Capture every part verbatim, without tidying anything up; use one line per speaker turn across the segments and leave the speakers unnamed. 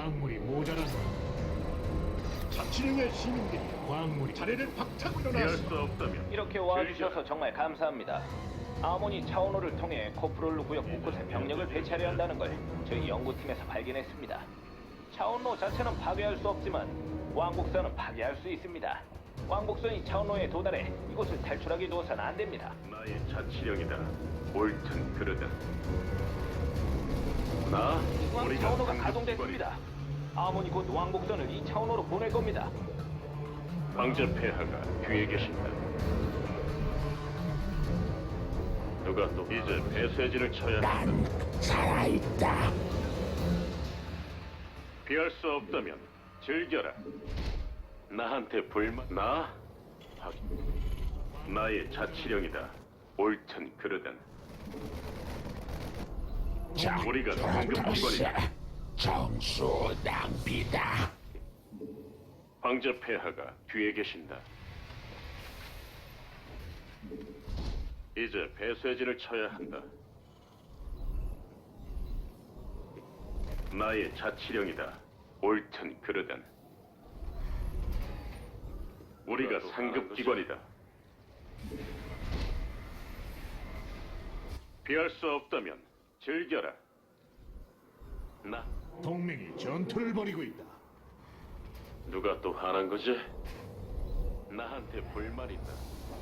광물이 모자란다.
자치령의 시민들이
광물이
자리를 박차고
피할
일어났어.
수 없다면
이렇게 와주셔서 정말 감사합니다. 아모니 차원호를 통해 코프롤루 구역 곳곳에 병력을 배치하려 한다는 걸 저희 연구팀에서 발견했습니다. 차원로 자체는 파괴할 수 없지만 왕복선은 파괴할 수 있습니다. 왕복선이 차원로에 도달해 이곳을 탈출하게 두어서는 안 됩니다.
나의 자치령이다. 옳든 그르든. 나
중앙
우리가
차원호가
상급
가동됐습니다. 아모니 곧 왕복선을 이 차원호로 보낼 겁니다.
기관이- 황제 폐하가 뒤에 계신다. 누가 또 이제 배쇄진을 쳐야 한다.
난 살아있다.
피할 수 없다면 즐겨라. 나한테 불만 나 확 나의 자치령이다. 옳든 그르든. 우리가 상급 기관이다.
정수 낭비다.
황제 폐하가 뒤에 계신다. 이제 배쇄진을 쳐야 한다. 나의 자치령이다. 옳든 그르든. 우리가 상급 기관이다. 피할 수 없다면 즐겨라. 나
동맹이 전투를 벌이고 있다.
누가 또 화난 거지? 나한테 불만 있다.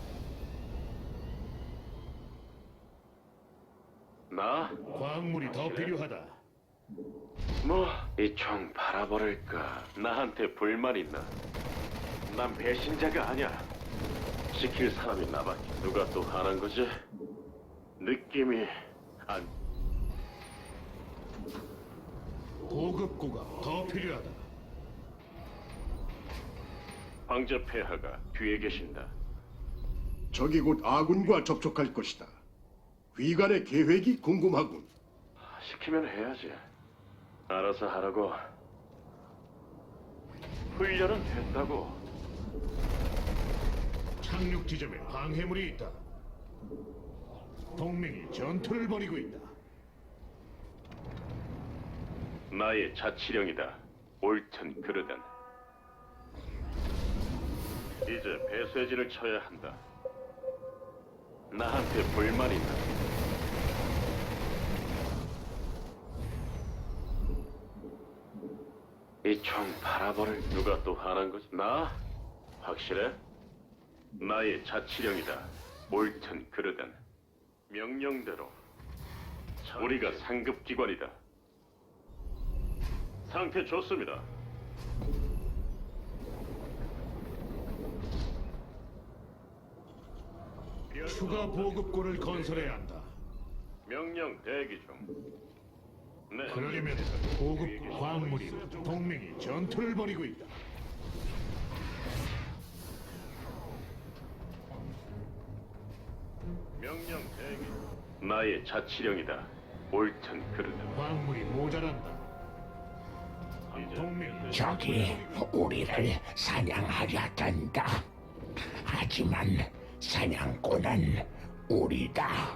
나?
광물이 더 필요하다.
뭐, 이 총 바라버릴까? 나한테 불만 있나? 난 배신자가 아니야. 지킬 사람이 나밖에. 누가 또 화난 거지? 느낌이 안...
보급고가 더 필요하다.
황제 폐하가 뒤에 계신다.
적이 곧 아군과 접촉할 것이다. 위관의 계획이 궁금하군.
시키면 해야지. 알아서 하라고. 훈련은 됐다고.
착륙 지점에 방해물이 있다. 동맹이 전투를 벌이고 있다.
나의 자치령이다. 옳든 그르든. 이제 배쇄진을 쳐야 한다. 나한테 불만 있나? 이 총 바라버릴 누가 또 화난 거지? 나? 확실해? 나의 자치령이다. 옳든 그르든. 명령대로. 우리가 상급 기관이다. 상태 좋습니다.
추가 보급고를 건설해야 한다.
명령 대기 중. 네.
그러려면 보급 광물이 동맹이 전투를 벌이고 있다.
명령 대기. 나의 자치령이다. 옳든 그르든.
광물이 모자란다. 동맹이
적이 우리를 사냥하려든다. 하지만 사냥꾼은 우리다.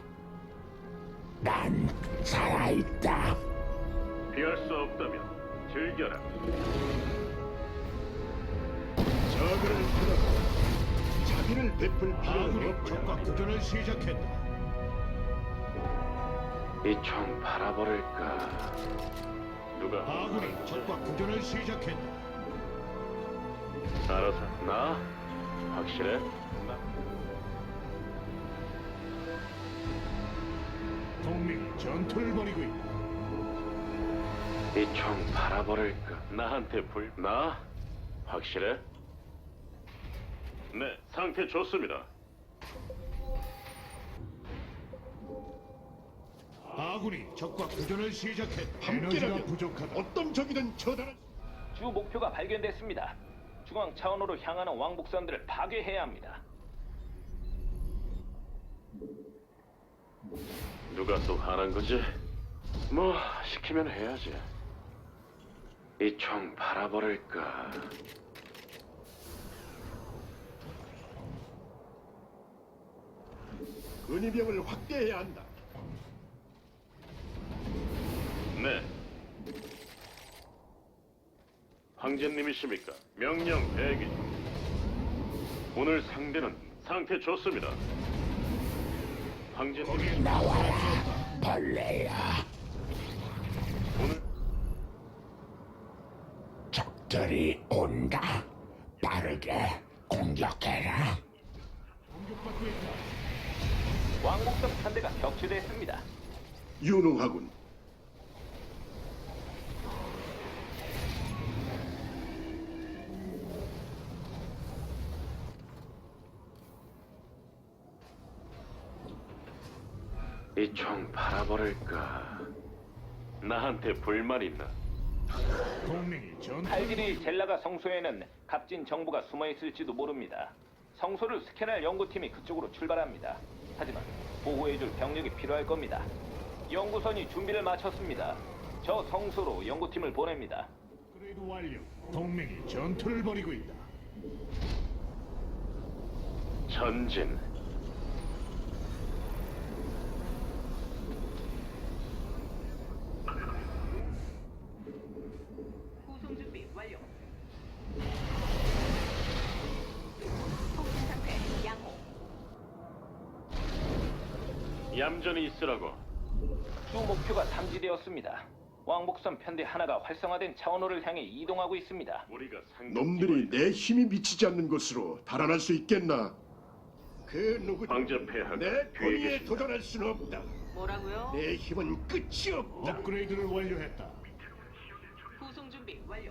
난 살아있다.
피할 수 없다면 즐겨라.
적을 풀어 자비를 베풀 필요는
아군이
없다.
적과 교전을 시작했다.
이 총 바라버릴까? 누가?
아군이 적과 교전을 시작했다.
알아서. 나? 확실해? 나?
동맹이 전투를 벌이고 있다.
이 총 바라버릴까? 나한테 불... 나? 확실해? 네, 상태 좋습니다.
아군이 적과 교전을 시작했다. 에너지가
함께라면
부족하다.
어떤 적이든 처단할 수
주 목표가 발견됐습니다. 중앙 차원호로 향하는 왕복선들을 파괴해야 합니다.
누가 또 화난 거지? 뭐 시키면 해야지. 이 총 바라버릴까?
근위병을 확대해야 한다.
네. 황제님이십니까? 명령 대기 중. 오늘 상대는 상태 좋습니다. 황제님,
나와라, 벌레야.
오늘
적들이 온다. 빠르게 공격해라.
공격받고 있다.
왕복선 편대가 격추됐습니다.
유능하군.
이 총 팔아버릴까? 나한테 불만 있나?
동맹이 전투.
칼질이 젤라가 성소에는 값진 정보가 숨어 있을지도 모릅니다. 성소를 스캔할 연구팀이 그쪽으로 출발합니다. 하지만 보호해줄 병력이 필요할 겁니다. 연구선이 준비를 마쳤습니다. 저 성소로 연구팀을 보냅니다.
업그레이드 완료. 동맹이 전투를 벌이고 있다.
전진.
구성 준비 완료. 통신 상태 양호.
얌전히 있으라고.
주 목표가 탐지되었습니다. 왕복선 편대 하나가 활성화된 차원호를 향해 이동하고 있습니다.
우리가 상급
놈들이 내 힘이 미치지 않는 곳으로 달아날 수 있겠나? 그 누구도
황제 폐하가
내
뒤에
권위에
계신다.
도전할 수는 없다.
뭐라고요?
내 힘은 끝이 없다.
업그레이드를 완료했다.
구성 준비 완료.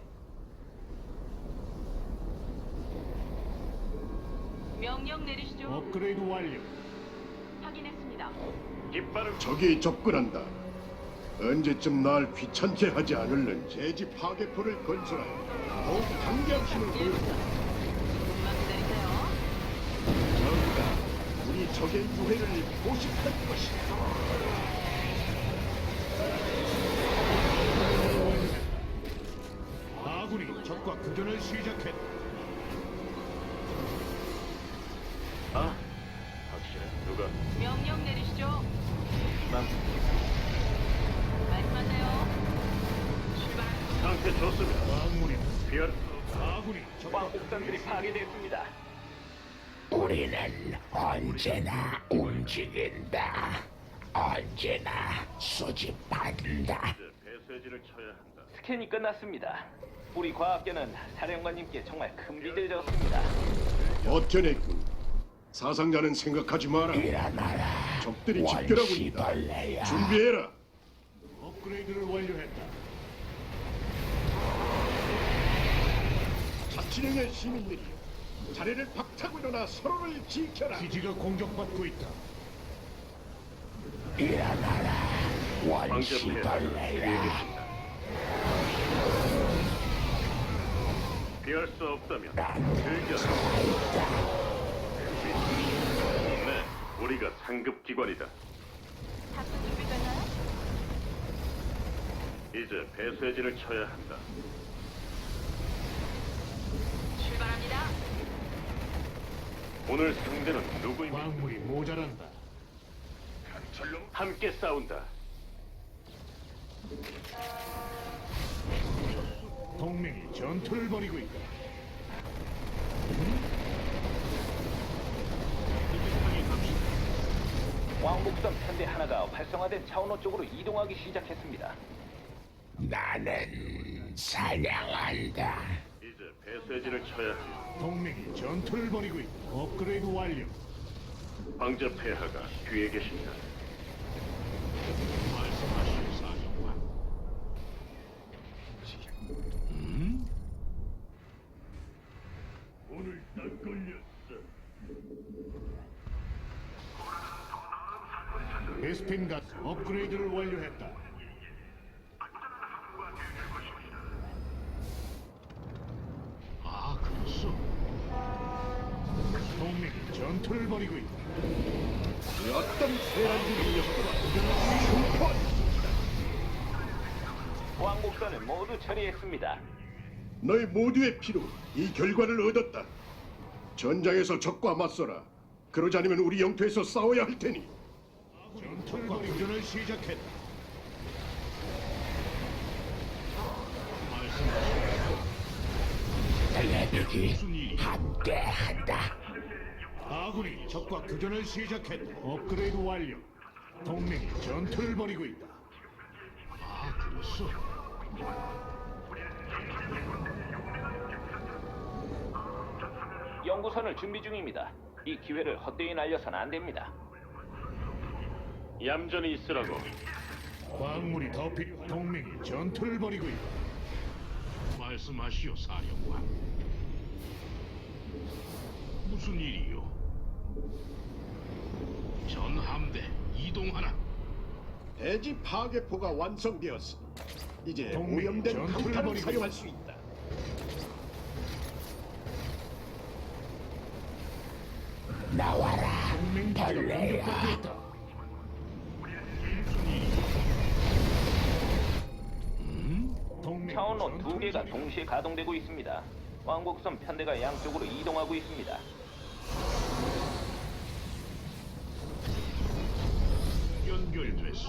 명령 내리시죠.
업그레이드 완료.
확인했습니다.
깃발을
적이 접근한다. 언제쯤 날 귀찮게 하지 않을는지 대지 파괴포를 건설하여 더욱 강력한 힘을 보여준다.
조금만 기다리세요.
적이다. 우리 적의 유해를 포식할 것이다.
아군이 적과 교전을 시작했다.
아, 확실해. 누가?
명령 내리시죠.
난
말씀하세요. 출발.
상태 좋습니다.
광물이
피할
아군이 적과
왕복선들이 파괴됐습니다.
우리는 언제나 움직인다. 언제나 수집한다.
이제 배쇄진을 쳐야 한다.
스캔이 끝났습니다. 우리 과학계는 사령관님께 정말 큰 빚을 졌습니다.
버텨냈군. 사상자는 생각하지 마라.
일어나라,
적들이 집결하고 있다.
원시벌레야.
준비해라.
업그레이드를 완료했다.
자치령의 시민들이여, 자리를 박차고 일어나 서로를 지켜라.
기지가 공격받고 있다.
일어나라,
황제 폐하가 뒤에
원시벌레야.
계신다. 피할 수 없다면 즐겨라. 네, 우리가 상급 기관이다.
탑승 준비 됐나요?
이제 배쇄진을 쳐야 한다.
출발합니다.
오늘 상대는 누구입니까?
광물이 모자란다.
함께 싸운다.
동맹이 전투를 벌이고 있다.
왕복선 편대 하나가 활성화된 차원호 쪽으로 이동하기 시작했습니다.
나는 사냥한다.
이제 배쇄진을 쳐야 한다.
동맹이 전투를 벌이고 있다. 업그레이드 완료.
황제 폐하가 뒤에 계신다. 오늘 딱 걸렸어.
베스핀 가스 업그레이드를 완료했다. 아, 그렇소. 동맹이 전투를 벌이고 있다.
그 어떤 세란들이 녀석들아 흉포한
왕복선을 모두 처리했습니다.
너희 모두의 피로 이 결과를 얻었다. 전장에서 적과 맞서라. 그러지 않으면 우리 영토에서 싸워야 할 테니.
전투과 교전을 시작했다.
레벨이 함께한다.
아군이 적과 교전을 시작했다. 업그레이드 완료. 동맹이 전투를 벌이고 있다. 아, 그렇소.
연구선을 준비 중입니다. 이 기회를 헛되이 날려선 안 됩니다.
얌전히 있으라고.
광물이 더 필요. 동맹이 전투를 벌이고 있다.
말씀하시오, 사령관. 무슨 일이요? 전 함대 이동하라.
대지 파괴포가 완성되었으니 이제
동맹이
오염된
전투를
강탄을
벌이고
사용할 수 있다.
나와라.
동맹 기지가
벌레야.
공격받고 있다. 동맹
차원로 두
전투를
개가
벌이고
동시에 가동되고 있습니다. 왕복선 편대가 양쪽으로 이동하고 있습니다.
연결됐소.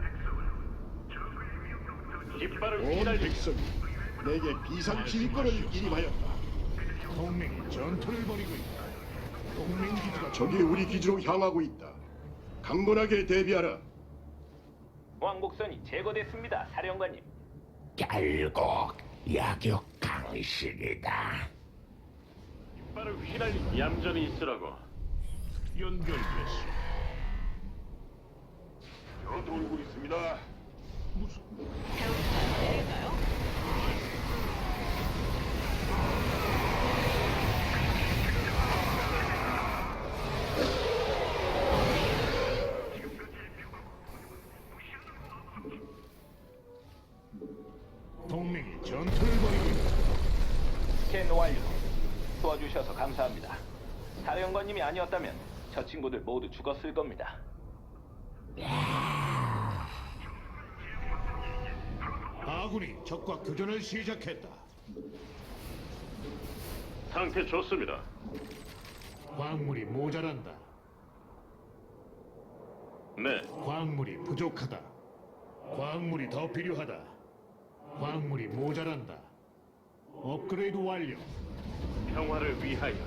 깃발을
온
휘날리.
백성이 내게 비상 지휘권을 이임하였다.
동맹이 전투를 벌이고 있다. 동맹 기지가
적이 우리 기지로 향하고 있다. 강건하게 대비하라.
왕복선이 제거됐습니다, 사령관님.
결국 약육 강신이다.
깃발을 휘날리. 얌전히 있으라고.
연결됐소.
저 돌고 있습니다.
무슨
배우가 내릴까요?
동맹이 전투를 벌이고 있다.
스캔 완료. 도와주셔서 감사합니다. 사령관님이 아니었다면 저 친구들 모두 죽었을 겁니다.
아군이 적과 교전을 시작했다.
상태 좋습니다.
광물이 모자란다.
네,
광물이 부족하다. 광물이 더 필요하다. 광물이 모자란다. 업그레이드 완료.
평화를 위하여.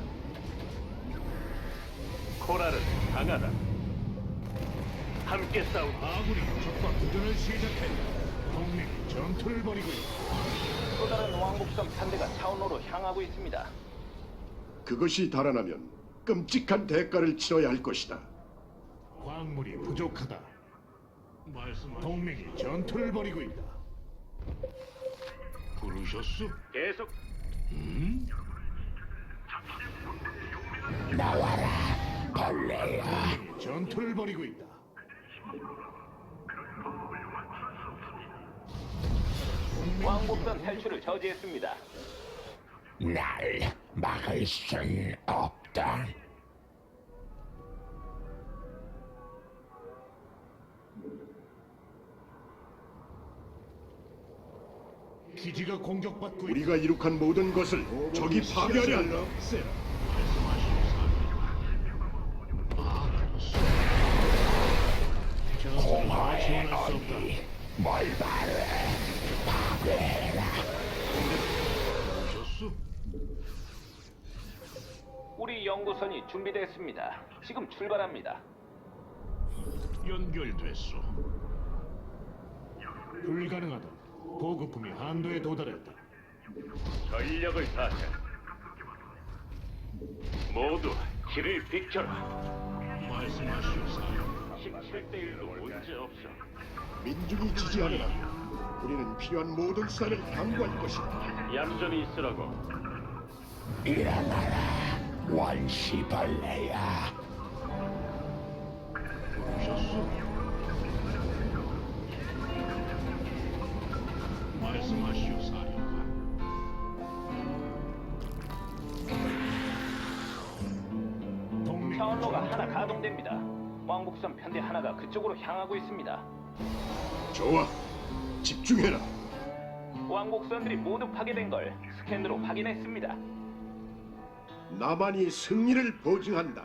코랄은 강하다. 함께 싸우.
아군이 적과 교전을 시작했다. 동맹이 전투를 벌이고 있다.
또 다른 왕복선 편대가 차원로로 향하고 있습니다.
그것이 달아나면 끔찍한 대가를 치러야 할 것이다.
광물이 부족하다.
말씀하시.
동맹이 전투를 벌이고 있다.
부르셨소?
계속.
나와라. 벌레야.
동맹이 전투를 벌이고 있다.
왕복선 탈출을 저지했습니다.
날 막을 순 없다.
기지가 공격받고 있다.
우리가 이룩한 모든 것을 적이 파괴하려 한다.
전투를 지원할 수 없다.
어디 뭘 바래. 파괴해라.
부르셨소?
우리 연구선이 준비됐습니다. 지금 출발합니다.
연결됐소.
불가능하다. 보급품이 한도에 도달했다.
전력을 다해. 모두 길을 비켜라.
말씀하시오, 사령관.
십칠 대 일로 문제 없어.
민중이 지지하느라 우리는 필요한 모든 수단을 강구할 것이다.
얌전히 있으라고.
일어나라. 원시벌레야.
부르셨소? 말씀하시오, 사령관.
동맹
차원로가 하나 가동됩니다. 왕복선 편대 하나가 그쪽으로 향하고 있습니다.
좋아, 집중해라.
왕복선들이 모두 파괴된 걸 스캔으로 확인했습니다.
나만이 승리를 보증한다.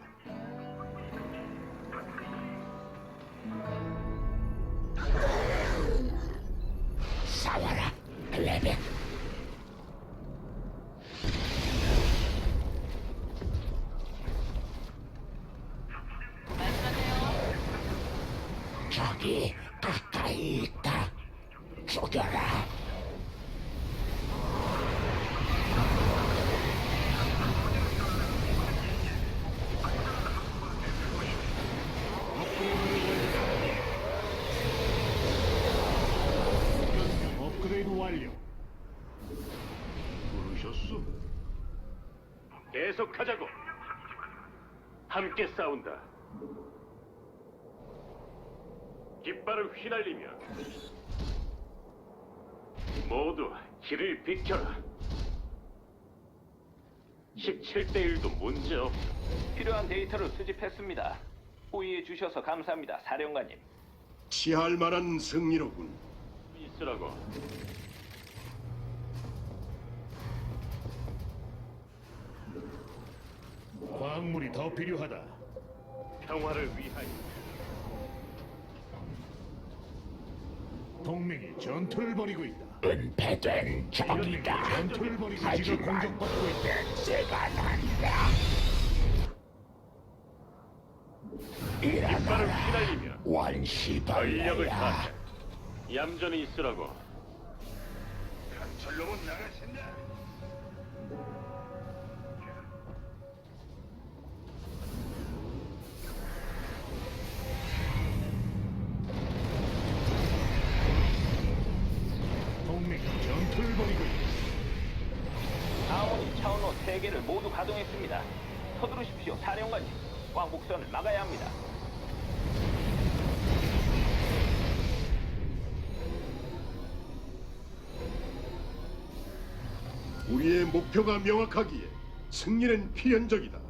싸워라. 레벨.
좋소.
계속하자고. 함께 싸운다. 깃발을 휘날리며 모두 길을 비켜라. 십칠 대 일도 문제 없어.
필요한 데이터를 수집했습니다. 호의해 주셔서 감사합니다, 사령관님.
취할 만한 승리로군.
있으라고.
광물이 더 필요하다.
평화를 위하여.
동맹이 전투를 벌이고 있다.
은폐된
동맹이
적이다.
전투를 벌이고 지금
하지만
공격받고 있다.
냄새가 난다.
깃발을
일어나라
휘날리며 전력을
원시벌레야.
다하자. 얌전히 있으라고.
동맹이 전투를 벌이고 있다.
아모니 차원로 세 개를 모두 가동했습니다. 서두르십시오, 사령관님. 왕복선을 막아야 합니다.
우리의 목표가 명확하기에 승리는 필연적이다.